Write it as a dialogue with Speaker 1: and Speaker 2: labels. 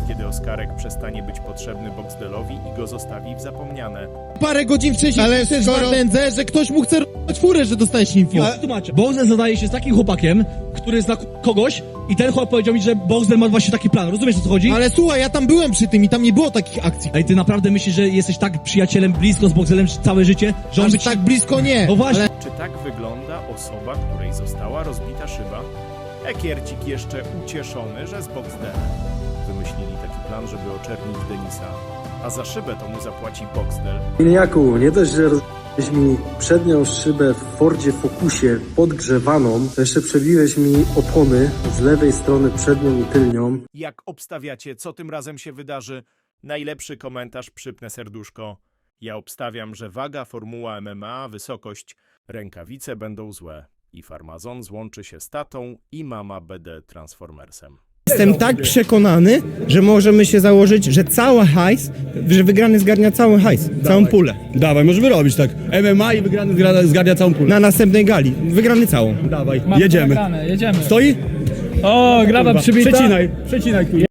Speaker 1: kiedy Oskarek przestanie być potrzebny Boxdelowi i go zostawi w zapomniane.
Speaker 2: Parę godzin wcześniej
Speaker 3: Ale
Speaker 2: też
Speaker 3: skoro-
Speaker 2: Wardędze, że ktoś mu chce r***ać furę, że dostajesz info.
Speaker 4: Ja tłumaczę. Boxer zadaje się z takim chłopakiem, który zna kogoś i ten chłopak powiedział mi, że Boxer ma właśnie taki plan. Rozumiesz, o co chodzi?
Speaker 2: Ale słuchaj, ja tam byłem przy tym i tam nie było takich akcji.
Speaker 4: Ej, ty naprawdę myślisz, że jesteś tak przyjacielem blisko z Boxerem całe życie, że on
Speaker 2: Aż
Speaker 4: by ci...
Speaker 2: tak blisko nie.
Speaker 4: No właśnie.
Speaker 1: Czy tak wygląda osoba, której została rozbita szyba? Ekiercik jeszcze ucieszony, że z Boxdelem. Wymyślili taki plan, żeby oczernić Denisa, a za szybę to mu zapłaci Boxdel.
Speaker 5: Miniaku, nie dość, że rozbiłeś mi przednią szybę w Fordzie Focusie podgrzewaną, to jeszcze przebiłeś mi opony z lewej strony przednią i tylnią.
Speaker 1: Jak obstawiacie, co tym razem się wydarzy? Najlepszy komentarz przypnę serduszko. Ja obstawiam, że waga, formuła MMA, wysokość, rękawice będą złe. I farmazon złączy się z tatą i mama BD Transformersem.
Speaker 3: Jestem tak przekonany, że możemy się założyć, że cały hajs, że wygrany zgarnia cały hajs, całą pulę.
Speaker 6: Dawaj, możemy robić tak. MMA i wygrany zgarnia całą pulę.
Speaker 3: Na następnej gali, wygrany całą.
Speaker 6: Dawaj, jedziemy.
Speaker 7: Jedziemy.
Speaker 6: Stoi?
Speaker 7: O, graba przybita.
Speaker 6: Przecinaj tu.